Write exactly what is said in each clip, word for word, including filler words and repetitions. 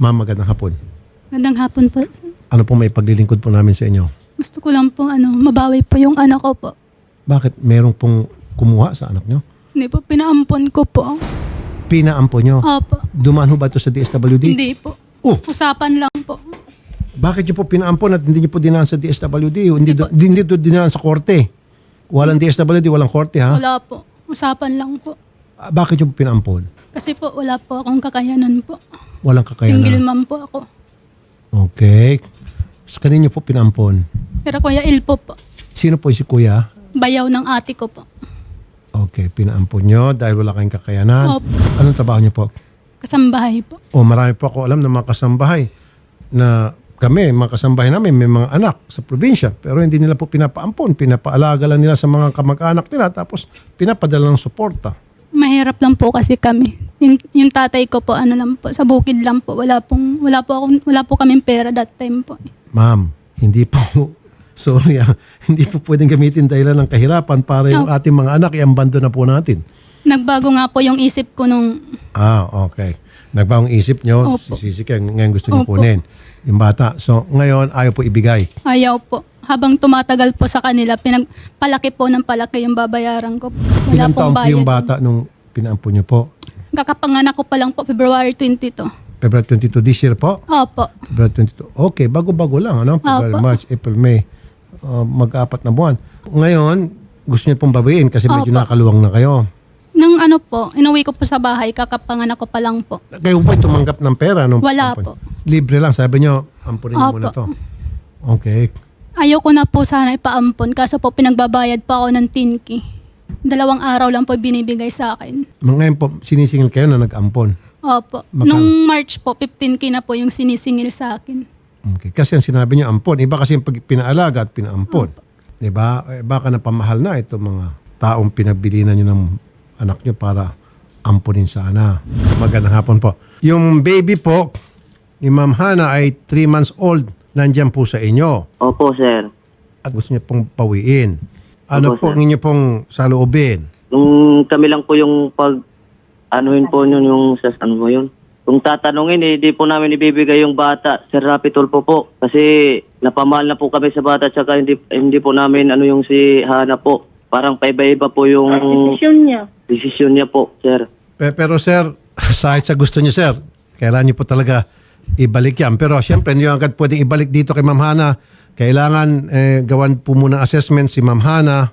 Ma'am, magandang hapon. Magandang hapon po. Ano po may paglilingkod po namin sa inyo? Gusto ko lang po ano, mabawi po yung anak ko po. Bakit merong pong kumuha sa anak nyo? Hindi po, pinaampon ko po. Pinaampo nyo? Opo. Dumaan ho ba ito sa D S W D? Hindi po. Oh, Usapan lang po. bakit nyo po pinaampon at hindi nyo po dinaan sa D S W D? Hindi, po- do- hindi do dinaan sa korte? Walang D S W D, walang korte ha? Wala po. Usapan lang po. Ah, bakit nyo po pinaampon? Kasi po wala po akong kakayanan po. Walang Single kakayanan. mom po ako. Okay. Sa kanino po pinaampon? Pero Kuya Ilpo po. Sino po si kuya? Bayaw ng ate ko po. Okay, pinaampon nyo dahil wala kayong kakayanan. Opo. Anong trabaho nyo po? Kasambahay po. O marami po ako alam ng mga kasambahay na kami, mga kasambahay namin, may mga anak sa probinsya. Pero hindi nila po pinapaampon. Pinapaalaga lang nila sa mga kamag-anak nila tapos pinapadala ng suporta. Mahirap lang po kasi kami. Yung, yung tatay ko po, ano lang po, sa bukid lang po. Wala pong, wala po akong, wala po kaming pera that time po. Ma'am, hindi po, sorry ah, hindi po pwedeng gamitin dahilan ng kahirapan para yung Oh. ating mga anak iambando na po natin. Nagbago nga po yung isip ko nung, Ah, okay. Nagbawang isip nyo, Opo. sisisi kayo, ngayon gusto nyo Opo. kunin yung bata. So, ngayon, ayaw po ibigay. ayaw po. Habang tumatagal po sa kanila, pinagpalaki po ng palaki yung babayaran ko. Wala Ilang taon pong po bayad. yung bata nung pinaampon nyo po? Kakapanganak ko pa lang po, February twenty-two. February twenty-two this year po? Opo. February twenty-two. Okay, bago-bago lang. Ano? February, Opo. March, April, May. Uh, mag-apat na buwan. Ngayon, gusto niyo pong babayin kasi medyo Opo. nakaluwang na kayo. Nung ano po, inuwi ko po sa bahay, kakapanganak ko pa lang po. Kayo po ay tumanggap ng pera? Nung Wala ampon? po. Libre lang. Sabi niyo, ampunin niyo Opo. muna to. Okay. Ayoko na po sana ipaampon, kaso po pinagbabayad pa ako ng tinki. Dalawang araw lang po binibigay sa akin. Ngayon po, sinisingil kayo na nag-ampon. Opo. Magkano? Nung March po, fifteen K na po yung sinisingil sa akin. Okay. Kasi ang sinabi niyo, ampon. Iba kasi yung pag pinaalaga at pinaampon. Diba? Eh, baka napamahal na ito mga taong pinabilinan niyo ng anak niyo para ampunin sana. Magandang hapon po. Yung baby po ni Ma'am Hana ay three months old. Nandiyan po sa inyo. Opo, sir. At gusto niya pong pawiin. Ano Opo, po sir. ang inyo pong saloobin? Nung kami lang po yung pag, anuhin po yun yung, sas, ano mo yun? Kung tatanungin, eh, di po namin ibibigay yung bata, Sir Rapi Tulfo po. Kasi napamahal na po kami sa bata, tsaka hindi, hindi po namin, ano yung si Hana po. Parang paiba-iba po yung Desisyon niya. desisyon niya po, sir. Pe- Pero sir, sa sa gusto niyo sir, kailangan niyo po talaga ibalik yan. Pero siyempre, hindi nyo agad pwedeng ibalik dito kay Ma'am Hana. Kailangan eh, gawan po muna ng assessment si Ma'am Hana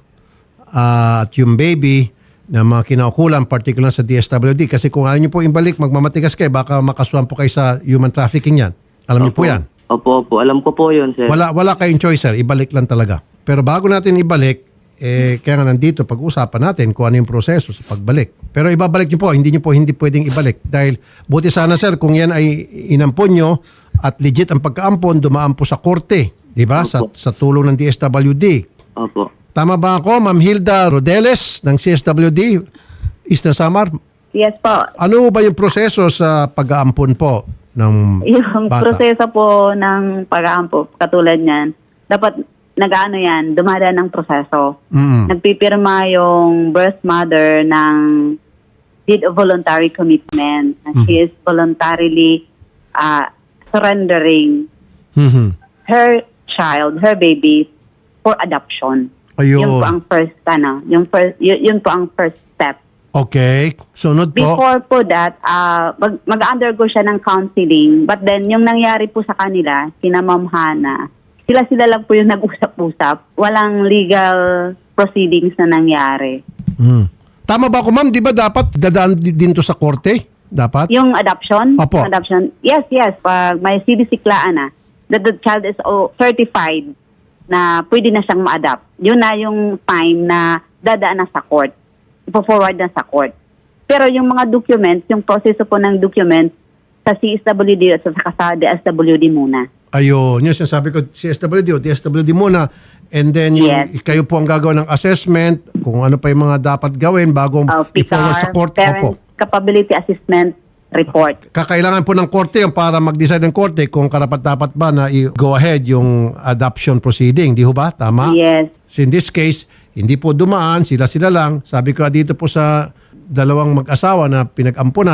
ah, at yung baby na mga kinaukulan, particular sa D S W D. Kasi kung ayaw niyo po ibalik, magmamatigas kayo, baka makasuhan po kayo sa human trafficking yan. Alam niyo po yan. Opo, opo. Alam ko po yun, sir. Wala, wala kayong choice sir, ibalik lang talaga. Pero bago natin ibalik, eh, kaya nga nandito, pag-usapan natin kung ano yung proseso sa pagbalik. Pero ibabalik niyo po, hindi niyo po hindi pwedeng ibalik. Dahil buti sana sir, kung yan ay inampon niyo at legit ang pagkaampon, dumaan po sa korte. Di ba? Sa, sa tulong ng D S W D. Opo. Tama ba ako, Ma'am Hilda Rodeles ng C S W D, Eastern Samar? Yes po. Ano ba yung proseso sa pag-aampon po ng Yung bata? proseso po ng pag-aampo, katulad niyan, dapat nag-ano yan, dumadaan ng proseso. Mm. Nagpipirma yung birth mother ng deed of voluntary commitment. Na She is voluntarily uh, surrendering Mhm. her child, her baby, for adoption. Ayun. Yun po ang first, ano, yung first, yun, yun po ang first step. Okay. Sunod po. Before po that, uh, mag- mag-undergo siya ng counseling. But then, yung nangyari po sa kanila, sina Ma'am Hana, sila-sila lang po yung nag-usap-usap. Walang legal proceedings na nangyari. Hmm. Tama ba ako, ma'am? Di ba dapat dadaan di- din to sa korte? Dapat? Yung adoption, Opo. adoption, yes, yes, pag may C D C-klaan na, that the child is oh, certified na pwede na siyang ma-adopt. Yun na yung time na dadaan na sa court. Ipo-forward na sa court. Pero yung mga documents, yung proseso po ng documents, sa C S W D at saka sa D S W D muna. Ayun. Yung sinasabi ko, C S W D o D S W D muna. And then, yung, Yes. kayo po ang gagawa ng assessment, kung ano pa yung mga dapat gawin bago Uh, i-forward sa P C A R, court. Parent Opo. Capability Assessment Report. Kakailangan po ng korte yung para mag-decide ng korte kung karapat-dapat ba na i-go ahead yung adoption proceeding. Di ho ba? Tama? Yes. So in this case, hindi po dumaan, sila-sila lang. Sabi ko dito po sa dalawang mag-asawa na pinag-ampunan,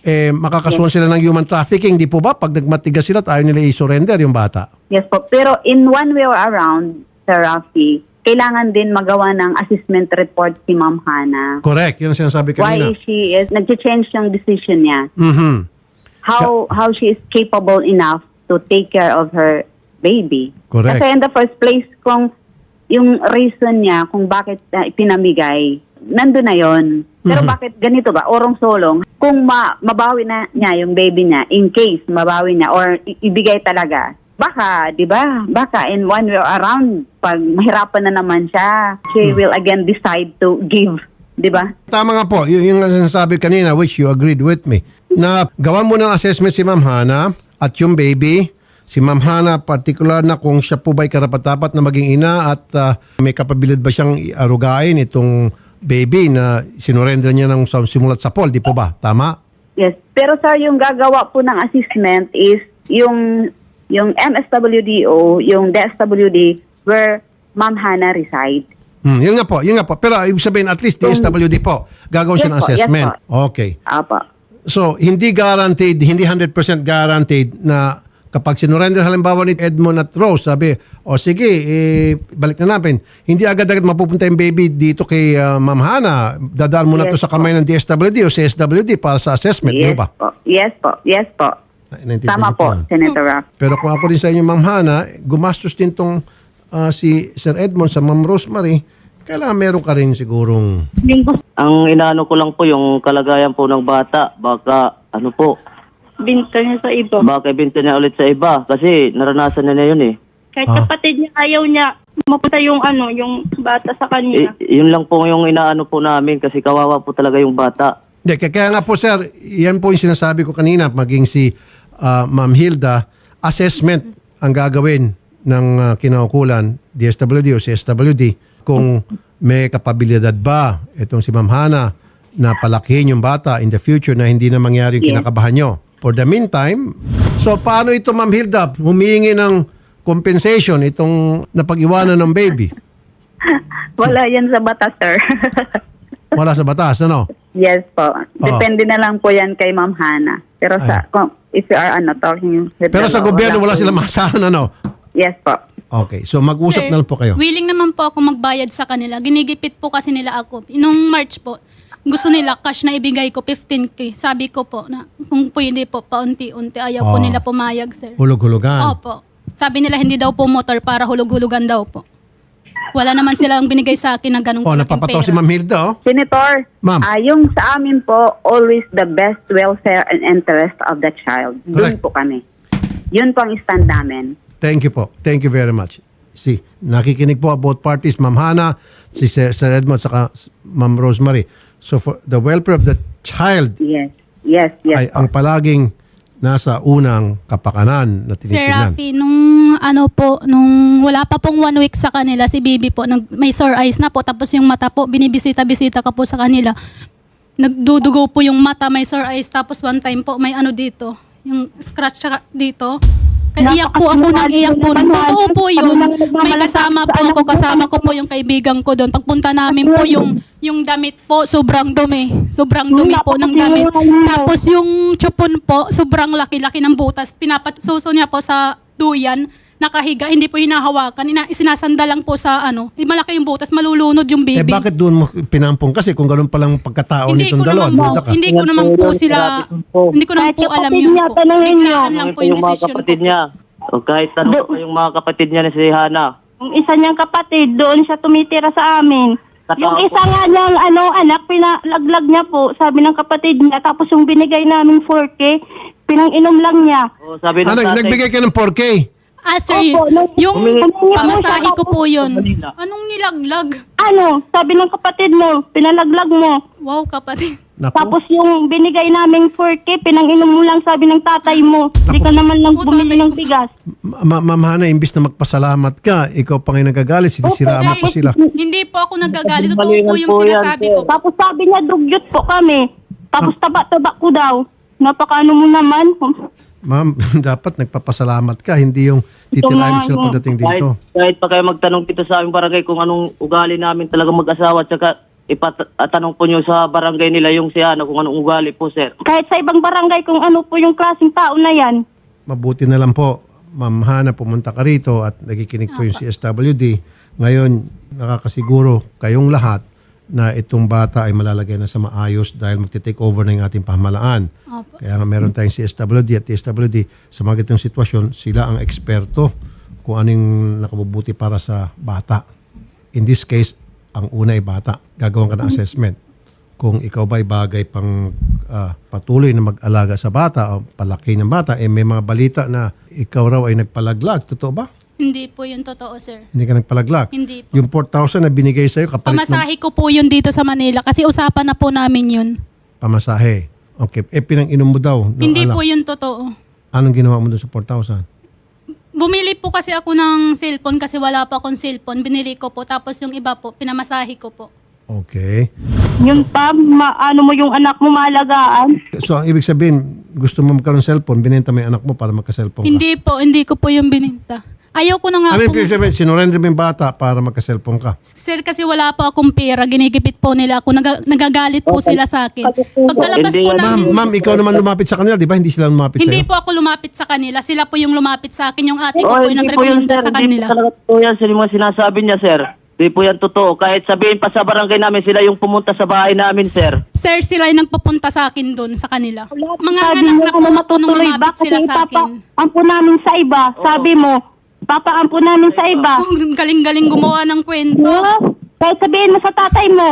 eh, makakasuhan sila ng human trafficking. Di po ba? Pag nagmatigas sila, tayo nila i-surrender yung bata. Yes po. Pero in one way or around, Sir Rafi, kailangan din magawa ng assessment report si Ma'am Hana. Correct. Yun ang sinasabi Why kanina. she is, nag-change yung decision niya. Mhm. How how she is capable enough to take care of her baby. Correct. Kasi in the first place, kung yung reason niya kung bakit uh, ipinamigay, nandun na yon. Pero Mhm. bakit ganito ba? Orong-solong, kung ma- mabawi na niya yung baby niya, in case mabawi niya or i- ibigay talaga, baka, di ba? Baka in one way or around, pag mahirapan na naman siya, she Hmm. will again decide to give. Di ba? Tama nga po. Y- yung sinasabi kanina, which you agreed with me, na gawan mo ng assessment si Ma'am Hana at yung baby. Si Ma'am Hana, particular na kung siya po ba'y karapat-dapat na maging ina at ah, may kapabilidad ba siyang arugain itong baby na sinurrender niya ng sa- simulat sa poll. Di po ba? Tama? Yes. Pero sir, yung gagawa po ng assessment is yung yung M S W D O, yung D S W D where Ma'am Hana reside. Hmm, yun nga po, yun nga po. Pero ibig sabihin, at least D S W D po, gagawin siya Yes ng po, yes assessment. po. Okay. Apa. So, hindi guaranteed, hindi one hundred percent guaranteed na kapag sinurrender halimbawa ni Edmond at Rose, sabi, o sige, eh, balik na natin. Hindi agad-agad mapupunta yung baby dito kay uh, Ma'am Hana. Dadaan muna Yes to sa po. kamay ng D S W D o C S W D para sa assessment, di Yes ba? po. Yes po. Yes po. Naintindihan Tama niyo po, yun. Senator Raff. Pero kung ako rin sa inyo, Ma'am Hana, gumastos din tong ah, si Sir Edmond sa Ma'am Rosemary, kailangan meron ka rin sigurong... Ang inaano ko lang po yung kalagayan po ng bata. Baka ano po, Binta niya sa iba. baka ibenta niya ulit sa iba. Kasi naranasan na niya yun eh. Kahit Ah. kapatid niya, ayaw niya mapunta yung ano, yung bata sa kanya. I- yun lang po yung inaano po namin kasi kawawa po talaga yung bata. Hindi, kaya, kaya nga po sir, yan po yung sinasabi ko kanina, maging si ah, Ma'am Hilda, assessment ang gagawin ng ah, kinaukulan, D S W D o C S W D, kung may kapabilidad ba itong si Ma'am Hana na palakihin yung bata in the future na hindi na mangyari yung Yes. kinakabahan nyo. For the meantime, so paano ito Ma'am Hilda, humihingi ng compensation itong napag-iwanan ng baby? Wala yan sa batas, sir. Wala sa batas, ano? Yes po. Depende na lang po yan kay Ma'am Hana. Pero sa, kung, if you are ano, talking with Pero the sa law, gobyerno wala po silang yun. masahan, ano? Yes po. Okay, so mag-usap Sir, na lang po kayo. willing naman po ako magbayad sa kanila. Ginigipit po kasi nila ako. Nung March po, gusto nila cash na ibigay ko fifteen K. Sabi ko po na kung pwede po paunti-unti. Ayaw po Oh. nila pumayag, sir. Hulog-hulugan. Opo. Sabi nila hindi daw po motor para hulog-hulugan daw po. Wala naman silang binigay sa akin na ganung Oh, kalaking napapataw pera. si Ma'am Hilda, oh. Senator, Ma'am. ah, yung sa amin po, always the best welfare and interest of the child. Correct. Doon po kami. Yun po ang stand namin. Thank you po. Thank you very much. See, nakikinig po both parties, Ma'am Hana, si Sir, Sir Edmond, saka Ma'am Rosemary. So for the welfare of the child Yes. Yes, ay yes. po. ang palaging nasa unang kapakanan na Sir tinitingnan. Rafi, nung ano po, nung wala pa pong one week sa kanila, si Bibi po, nag, may sore eyes na po, tapos yung mata po, binibisita-bisita ka po sa kanila. Nagdudugo po yung mata, may sore eyes, tapos one time po, may ano dito, yung scratch siya dito. Kaya iyak po ako nang iyak po. Nung totoo po yun, may kasama po ako, kasama ko po yung kaibigan ko doon. Pagpunta namin po yung yung damit po, sobrang dumi. Sobrang dumi po ng damit. Tapos yung chupon po, sobrang laki-laki ng butas. Pinapasuso niya po sa duyan, nakahiga, hindi po hinahawakan. Ina, isinasanda lang po sa ano, eh, malaki yung butas, malulunod yung Eh baby. bakit doon mo pinampong kasi kung gano'n palang pagkatao hindi nitong ko dalawa? naman po, duda ka. hindi ko naman po sila, hindi ko naman Kahit po alam kapatid yun niya, po. tanungin niyo. Biglaan lang po yung mga decision kapatid ko. niya. O kahit tanong pa yung mga kapatid niya na si Hana. Yung isa niyang kapatid, doon siya tumitira sa amin. Totoo Yung po. isa nga niyang ano, anak, pinalaglag niya po, sabi ng kapatid niya. Tapos yung binigay namin four K, pinang-inom lang niya. O sabi ng Ah, nag- tatay, nagbigay ka ng four K? Ah, sir, Opo, nung- yung Humingi- pamasahe ko po yun. Manila. Anong nilaglag? Ano, sabi ng kapatid mo, pinalaglag mo. Wow, kapatid. Naku. Tapos yung binigay naming four K, pinang-inom mo lang, sabi ng tatay mo. Hindi ka naman lang Oo, bumili tatay ng ko. bigas. Ma- Ma'am Hana, imbis na magpasalamat ka, ikaw pa ngayon nagagalit, sinisiraan mo pa sila. Hindi po ako nagagalit. Totoo po yung po yan, sinasabi sir. ko. Tapos sabi niya, dugyot po kami. Tapos taba-taba ko daw. Napakaano mo naman. Ma'am, dapat nagpapasalamat ka, hindi yung titirahin mo sila pagdating kahit, dito. kahit pa kayo magtanong dito sa aming barangay kung anong ugali namin talaga mag-asawa at saka ipatanong po nyo sa barangay nila yung si ano, kung anong ugali po, sir. Kahit sa ibang barangay kung ano po yung klaseng tao na yan. Mabuti na lang po, Ma'am Hana, pumunta ka rito at nakikinig po yung C S W D. Ngayon, nakakasiguro kayong lahat na itong bata ay malalagay na sa maayos dahil magte-take over na yung ating pamahalaan. Opo. Kaya nga meron tayong C S W D at T S W D. Sa mga ganitong sitwasyon, sila ang eksperto kung anong nakabubuti para sa bata. In this case, ang una ay bata. Gagawin ka ng assessment. Kung ikaw ba ay bagay pang ah, patuloy na mag-alaga sa bata o palaki ng bata, eh may mga balita na ikaw raw ay nagpalaglag. Totoo ba? Hindi po yun totoo, sir. Hindi ka nagpalaglag. Hindi po. Yung four thousand na binigay sa'yo, kapalit ng Pamasahe ko po yun dito sa Manila kasi usapan na po namin yun. pamasahe. Okay. Eh, pinang-inom mo daw. ng Hindi anak. po yun totoo. Anong ginawa mo doon sa four thousand? Bumili po kasi ako ng cellphone kasi wala pa akong cellphone. Binili ko po. Tapos yung iba po, pinamasahe ko po. Okay. Yun pa, ma- ano mo yung anak mo maalagaan. So, ang ibig sabihin, gusto mo magkaroon ng cellphone, binenta mo yung anak mo para magka-cellphone ka. Hindi po, hindi ko po yung bininta. Ayaw ko na nga I mean, po. ibig sabihin, sinurrender mo yung bata para magka-cellphone ka. Sir, kasi wala po akong pera. Ginigipit po nila ako. Naga- nagagalit po sila sa akin. Pagkalabas Hindi po yan. Ma'am, namin, ma'am, ikaw naman lumapit sa kanila, di ba? Hindi sila lumapit hindi sa'yo? po ako lumapit sa kanila. Sila po yung lumapit sa akin. Yung ate ko Oh, po yung hindi po yun, nagrekomenda sir. sa Hindi kanila. po talaga po yan, sir, yung mga sinasabi niya, sir. Hindi po yan totoo. Kahit sabihin pa sa barangay namin, sila yung pumunta sa bahay namin, sir. Sir, sila yung nagpapunta sa akin doon sa kanila. Mga Sabi anak mo na ano po ako nung matutuloy ba? lumapit Kasi sila sa akin. ipapa-ampo namin sa iba. Sabi mo, papaampo namin sa iba. Oh, galing-galing gumawa ng kwento. No? Kahit sabihin mo sa tatay mo,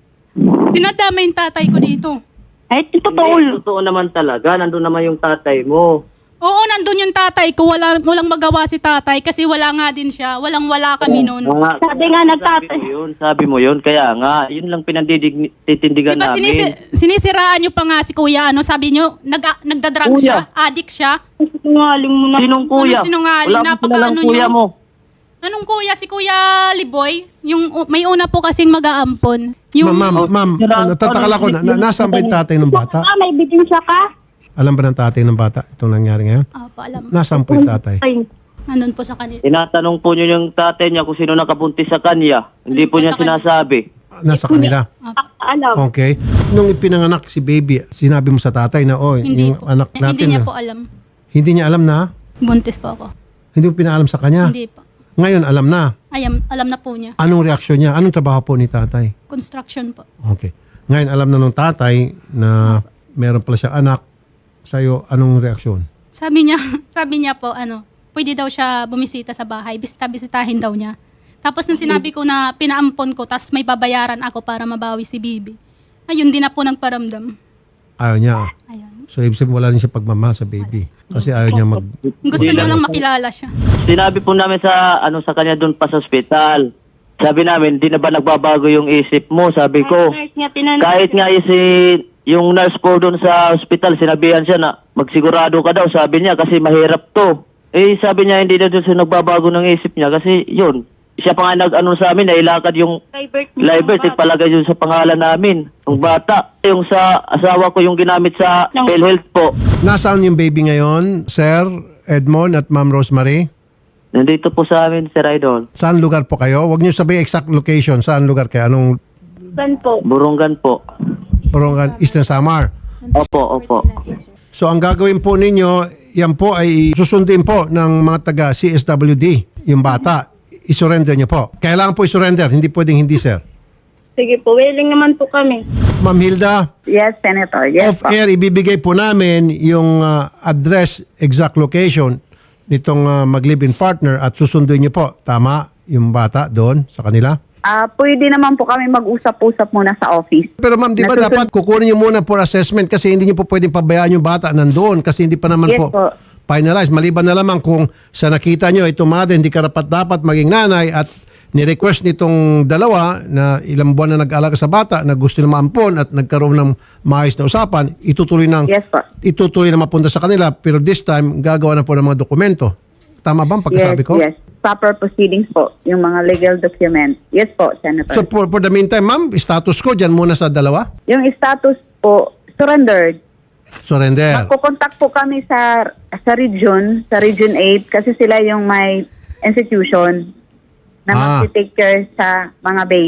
Dinadama yung tatay ko dito. eh, totoo. Hindi, totoo naman talaga. Nandun naman yung tatay mo. Oo, nandun yung tatay ko. Wala, walang magawa si tatay kasi wala nga din siya. Walang-wala kami noon. Ah, Sabi nga nagtatay. Sabi mo yun, sabi mo yun. Kaya nga, yun lang pinandiditindigan Diba namin. sinisi- sinisiraan nyo pa nga si kuya, ano, sabi nyo, nag nagdadrag Kuya. siya, addict siya. Sinungaling mo na. Sinong kuya? Ano sinungaling? Wala mo Napaka- kilalang ano kuya nyo? mo. Anong kuya? Si Kuya Liboy? Yung u- may una po kasing mag-aampon. Yung, Ma'am, ma'am, ma'am, Sila- natataka ako, na, na, nasaan ba yung tatay ng bata? Ah, may ebidensya ka? Alam ba ng tatay ng bata itong nangyari ngayon? Ah, pa, alam. Nasaan po yung tatay? Ay, Nandun po sa kanila. Tinatanong po niyo yung tatay niya kung sino nakabuntis sa kanya. Hindi Ano po po niya sa kanya? sinasabi. Nasa kanila. ah, alam. Okay. Nung ipinanganak si baby, sinabi mo sa tatay na, oh, Hindi yung po. anak Eh, natin, Hindi niya na- po alam. hindi niya alam na, Buntis po ako. hindi mo pinaalam sa kanya. Hindi po. Ngayon, alam na. Ayam, alam na po niya. Anong reaksyon niya? Anong trabaho po ni tatay? Construction po. Okay. Ngayon, alam na nung tatay na meron pala siya anak. Sa'yo, anong reaksyon? Sabi niya, sabi niya po, ano, pwede daw siya bumisita sa bahay. Bisita-bisitahin daw niya. Tapos nung sinabi ko na pinaampon ko, tapos may babayaran ako para mabawi si Bibi. Ayun, di na po nagparamdam. Ayaw niya. Ayan. So, ibig sabihin, wala rin siya pagmamahal sa baby. Kasi ayaw niya mag... Gusto niya lang makilala siya. Sinabi po namin sa ano sa kanya doon pa sa ospital. Sabi namin, di na ba nagbabago yung isip mo? Sabi ko. Nurse niya, tinanong. Kahit nga yung si yung nurse po doon sa ospital, sinabihan siya na magsigurado ka daw, sabi niya, kasi mahirap to. Eh, sabi niya, hindi na doon siya nagbabago ng isip niya kasi yun. Siya pa nga nag-ano sa amin, nailakad yung Live birth niya. live birth, ipalagay yun sa pangalan namin. Yung bata, yung sa asawa ko yung ginamit sa No. PhilHealth po. Nasaan yung baby ngayon, Sir Edmond at Ma'am Rosemary? Nandito po sa amin, Sir Idol. Saan lugar po kayo? Huwag niyo sabihin exact location. Saan lugar kayo? Anong Saan po? Burungan po. Borongan? Eastern Samar? Opo, opo. So, ang gagawin po ninyo, yan po ay susundin po ng mga taga C S W D, yung bata. I-surrender niyo po. Kailangan po i-surrender. Hindi pwedeng hindi, sir. Sige po, willing naman po kami. Ma'am Hilda, Yes, Senator. Yes, po. off-air, ibibigay po namin yung uh, address, exact location nitong uh, mag-live-in partner at susunduin niyo po. Tama yung bata doon sa kanila? Ah, pwede naman po kami mag-usap-usap muna sa office. Pero ma'am, di ba Nasusun- dapat kukunin niyo muna for assessment kasi hindi niyo po pwedeng pabayaan yung bata nandoon kasi hindi pa naman Yes po, po. finalized. Maliban na lamang kung sa nakita niyo ito mother, hindi karapat dapat maging nanay at ni-request nitong dalawa na ilang buwan na nag-alaga sa bata na gusto na maampon at nagkaroon ng maayos na usapan, itutuloy ng Yes po. itutuloy na mapunta sa kanila pero this time gagawa na po ng mga dokumento. Tama ba ang pagkasabi Yes, ko? yes. Proper proceedings po. Yung mga legal documents. Yes po, Senator. So for, for the meantime, ma'am, status ko dyan muna sa dalawa. yung status po, surrendered. Surrender. Magkukontak po kami sa sa region, sa Region eight, kasi sila yung may institution na Ah. mag-take care sa mga baby.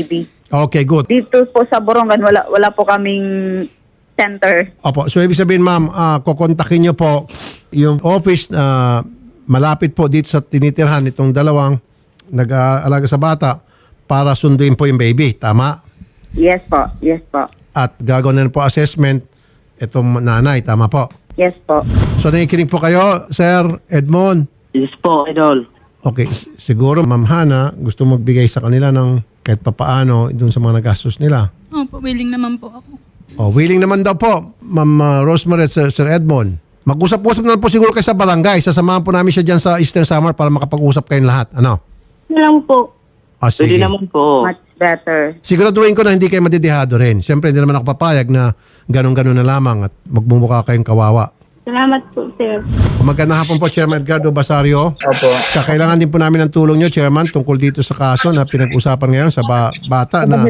Okay, good. Dito po sa Borongan, wala, wala po kaming center. Opo. So, ibig sabihin, ma'am, ah, kukontakin nyo po yung office na malapit po dito sa tinitirhan itong dalawang nag-aalaga sa bata para sunduin po yung baby. Tama? Yes po, yes po. At gagawin na po assessment itong nanay. Tama po? Yes po. So, nakikinig po kayo, Sir Edmond. Yes po, Idol. Okay, s- siguro Ma'am Hana gusto magbigay sa kanila ng kahit papaano dun sa mga nagastos nila. Opo, willing naman po ako. Oh, willing naman daw po, Ma'am uh, Rosemary at Sir, Sir Edmond. Mag-usap-usap na lang po siguro kayo sa barangay. Sasamahan po namin siya dyan sa Eastern Samar para makapag-usap kayong lahat. Ano? Yun lang po. Ah, Pwede sige. naman po. Much better. Siguraduhin ko na hindi kayo madidihado rin. Siyempre, hindi naman ako papayag na ganun-ganun na lamang at magmumukha kayong kawawa. Salamat po, sir. Magandang hapon po, Chairman Edgardo Basario. Opo. Kailangan din po namin ng tulong nyo, Chairman, tungkol dito sa kaso na pinag-usapan ngayon sa ba- bata na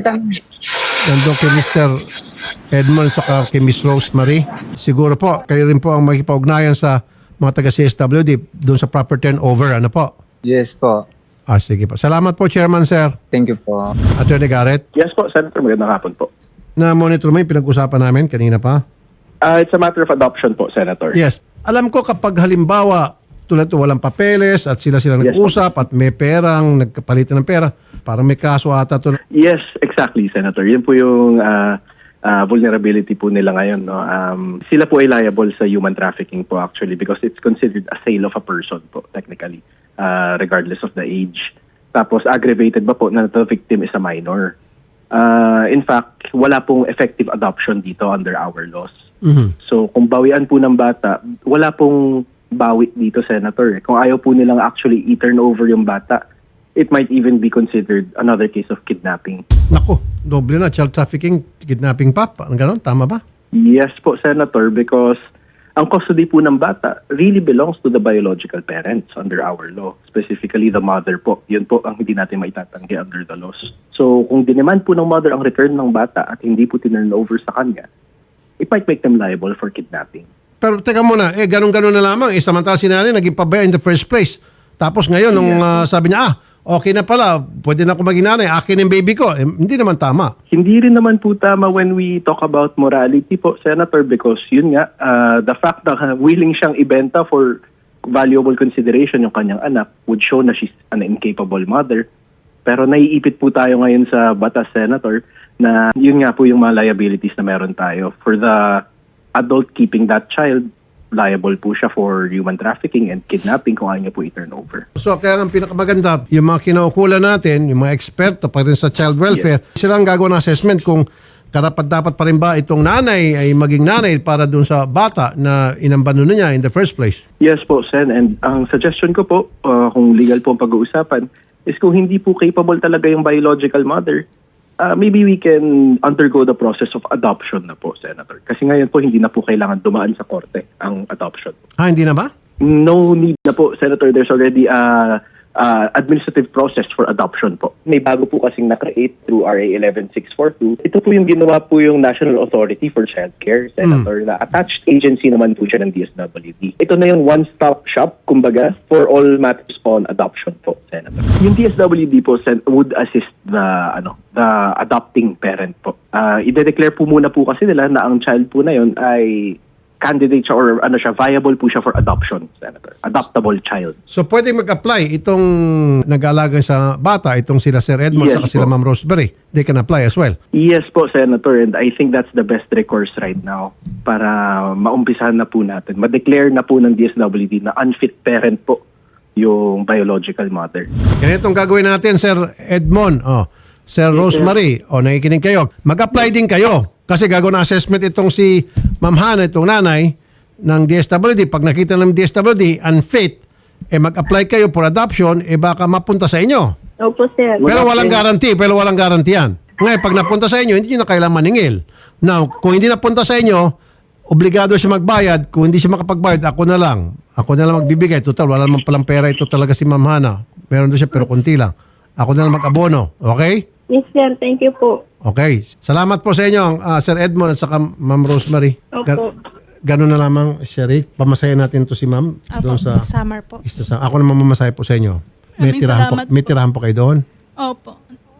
nandun kay Mister Edmond at kay Miss Rosemary. Siguro po, kayo rin po ang makipag-ugnayan sa mga taga-C S W D doon sa proper turnover. Ano po? Yes po. Ah, sige po. Salamat po, Chairman, Sir. Thank you po. Attorney Garrett, Yes po, Senator. Magandang hapon po. na-monitor mo yung pinag-usapan namin kanina pa? Uh, it's a matter of adoption po, Senator. Yes. Alam ko kapag halimbawa, tulad ito, walang papeles at sila-sila Yes, nag-usap at may perang, nagkapalitan ng pera, parang may kaso ata ito. Yes, exactly, Senator. Yun po yung uh, uh, vulnerability po nila ngayon. No? Um, sila po ay liable sa human trafficking po actually because it's considered a sale of a person po technically, uh, regardless of the age. Tapos aggravated ba po na the victim is a minor. Uh, in fact, wala pong effective adoption dito under our laws. Mhm. So kung bawian po ng bata, wala pong bawi dito, Senator. Kung ayaw po nilang actually i-turn over yung bata, it might even be considered another case of kidnapping. Naku, doble na. Child trafficking, kidnapping pa. Parang ganon, tama ba? Yes po, Senator, because ang custody po ng bata really belongs to the biological parents under our law. Specifically, the mother po. Yun po ang hindi natin maitatanggi under the laws. So kung diniman po ng mother ang return ng bata at hindi po tinurn over sa kanya, it might make them liable for kidnapping. Pero teka muna, eh ganun-ganun na lamang. Eh samantala si nanay naging pabaya in the first place. Tapos ngayon, nung ah, sabi niya, ah, okay na pala, pwede na ako maging nanay, akin yung baby ko. Eh, hindi naman tama. Hindi rin naman po tama when we talk about morality po, Senator, because yun nga, uh, the fact na uh, willing siyang ibenta for valuable consideration yung kanyang anak would show na she's an incapable mother. Pero naiipit po tayo ngayon sa batas, Senator, na yun nga po yung mga liabilities na meron tayo. For the adult keeping that child, liable po siya for human trafficking and kidnapping kung ayaw niya po i-turn over. So kaya ang pinakamaganda, yung mga kinaukulan natin, yung mga eksperto pa rin sa child welfare, sila ang gagawa ng assessment kung karapat-dapat pa rin ba itong nanay ay maging nanay para dun sa bata na inambano na niya in the first place. Yes po, Sen. And ang suggestion ko po, uh, kung legal po ang pag-uusapan, is kung hindi po capable talaga yung biological mother, uh, maybe we can undergo the process of adoption na po, Senator. Kasi ngayon po, hindi na po kailangan dumaan sa korte ang adoption. Ha, hindi na ba? No need na po, Senator. There's already a uh, administrative process for adoption po. May bago po kasing na-create through R A eleven six forty-two. Ito po yung ginawa po yung National Authority for Child Care, Senator, na attached agency naman po siya ng D S W D. Ito na yung one-stop shop, kumbaga, for all matters on adoption po, Senator. Yung D S W D po Sen, would assist the ano the adopting parent po. Uh, i-declare po muna po kasi nila na ang child po na yun ay candidate siya or ano siya, viable po siya for adoption, Senator. Adoptable child. So pwede mag-apply itong nag-aalaga sa bata, itong sila Sir Edmond Yes saka sila po. Ma'am Rosemary. They can apply as well. Yes po, Senator, and I think that's the best recourse right now para maumpisahan na po natin. Ma-declare na po ng D S W D na unfit parent po yung biological mother. Ganitong gagawin natin, Sir Edmond. Oh, Sir Rosemary, o oh, nakikinig kayo. Mag-apply din kayo. Kasi gagawin na assessment itong si Ma'am Hana, itong nanay ng D S W D. Pag nakita ng D S W D, unfit, eh mag-apply kayo for adoption, eh baka mapunta sa inyo. Opo, sir. Pero walang guarantee, pero walang guarantee yan. Ngayon, pag napunta sa inyo, hindi nyo na kailangan maningil. Now, kung hindi napunta sa inyo, obligado siya magbayad. Kung hindi siya makapagbayad, ako na lang. Ako na lang magbibigay. Total, wala naman palang pera ito talaga si Ma'am Hana. Meron doon siya, pero kunti lang. Ako na lang mag-abono. Okay? Yes, sir. Thank you po. Okay. Salamat po sa inyo, uh, Sir Edmond at saka Ma'am Rosemary. Opo. Ganun na lamang, Sherry. Pamasayan natin to si Ma'am doon sa Summer po. Isa sa ako naman mamasahay po sa inyo. May Maraming tirahan po, salamat may tirahan po kayo doon. Opo.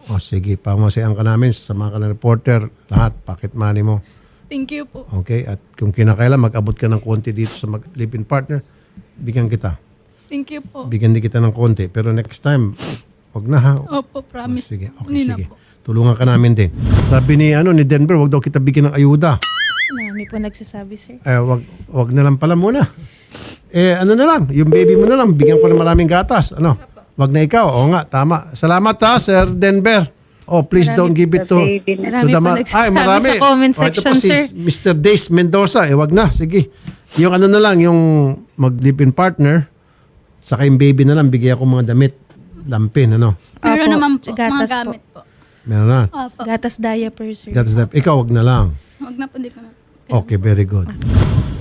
O sige, pamasayan ka namin, sasama ka ng reporter, lahat, pocket money mo. Thank you po. Okay? At kung kinakailan, mag-abot ka ng konti dito sa mag-live-in partner, bigyan kita. Thank you po. Bigyan din kita ng konti. Pero next time, wag na ha. Opo, promise. Sige, okay, Hindi na sige. po. Tulungan ka namin din. Sabi ni ano ni Denver, wag daw kita bigyan ng ayuda. Marami po nagsasabi, sir. Eh, wag, wag na lang pala muna. Eh, ano na lang, yung baby mo na lang, bigyan ko ng maraming gatas. Ano? Wag na ikaw. Oo nga, tama. Salamat ha, Sir Denver. Oh, please don't give it to, to Marami the po ma- nagsasabi sa comment Oh, ito section, po si sir. Mister Dace Mendoza. Eh, wag na. Sige. Yung ano na lang, yung mag-live-in partner, saka yung baby na lang, bigyan ko mga damit. Lampin, ano? Pero Opo, naman po, mga gatas po. gamit po. Meron na. Opo. Gatas diaper, sir. Gatas na. Ikaw, wag na lang. Huwag na po, di po na. Okay, very good.